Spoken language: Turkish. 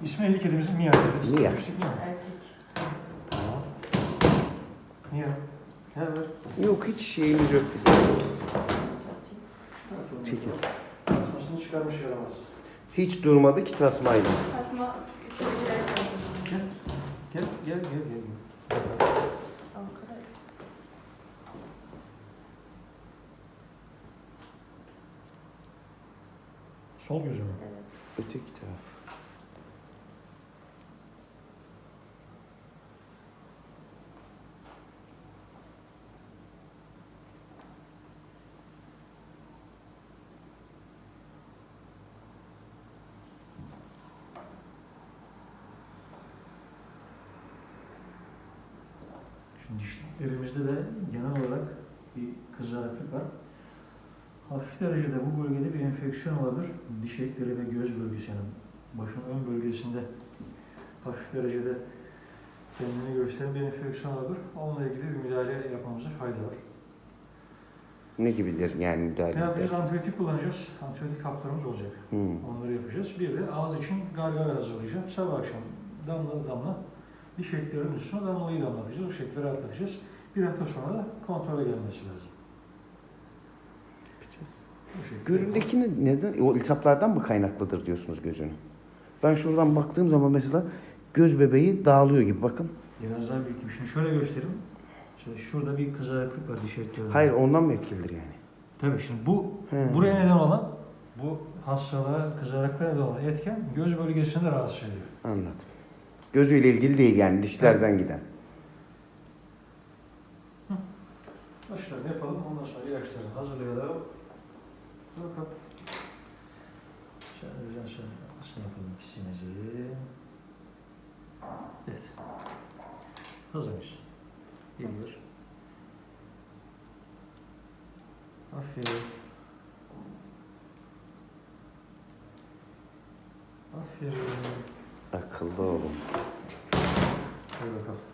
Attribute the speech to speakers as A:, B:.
A: İsmi eli kedimizin Mia.
B: Mia.
A: Erkek. Tamam. Mia. Ne var?
B: Yok hiç şeyimiz yok bizim. Çekil.
A: Tasmasını çıkarmış yaramaz.
B: Hiç durmadı ki tasmayla.
C: Tasma içeri girerken.
A: Gel.
C: Ankara.
A: Sol gözü mü?
C: Evet.
B: Öteki taraf.
A: Şimdi dişlerimizde de genel olarak bir kızarıklık var. Hafif derecede bu bölgede bir enfeksiyon olabilir. Diş etleri ve göz bölgesi, yani başın ön bölgesinde hafif derecede kendini gösteren bir enfeksiyon olabilir. Onunla ilgili bir müdahale yapmamıza fayda var.
B: Ne gibidir yani müdahale?
A: Ne yapacağız? Antibiyotik kullanacağız. Antibiyotik haplarımız olacak. Onları yapacağız. Bir de ağız için gargara hazırlayacağım. Sabah akşam damla diş etlerinin üstüne damlayı damlatacağız. O şekilde rahatlatacağız. Bir hafta sonra da kontrole gelmesi lazım. Bu şekilde.
B: Gözündekini neden? O iltihaplardan mı kaynaklıdır diyorsunuz gözünü? Ben şuradan baktığım zaman mesela göz bebeği dağılıyor gibi bakın.
A: Biraz daha büyüteyim. Şunu şöyle göstereyim. Şöyle şurada bir kızarıklık var diş etlerinde.
B: Hayır ondan mı etkilidir yani?
A: Tabii şimdi buraya neden olan, bu hastalığa, kızarıklığa neden olan etken göz bölgesini de rahatsız ediyor.
B: Anladım. Gözüyle ilgili değil yani dişlerden giden.
A: Başlarını yapalım. Ondan sonra ilaçları hazırlayalım. Bakalım. Şöyle nasıl yapalım ikisimizi. Evet. Hazır mıyız? Geliyor. Aferin. Aferin.
B: Akıllı olun.
A: Hadi bakalım.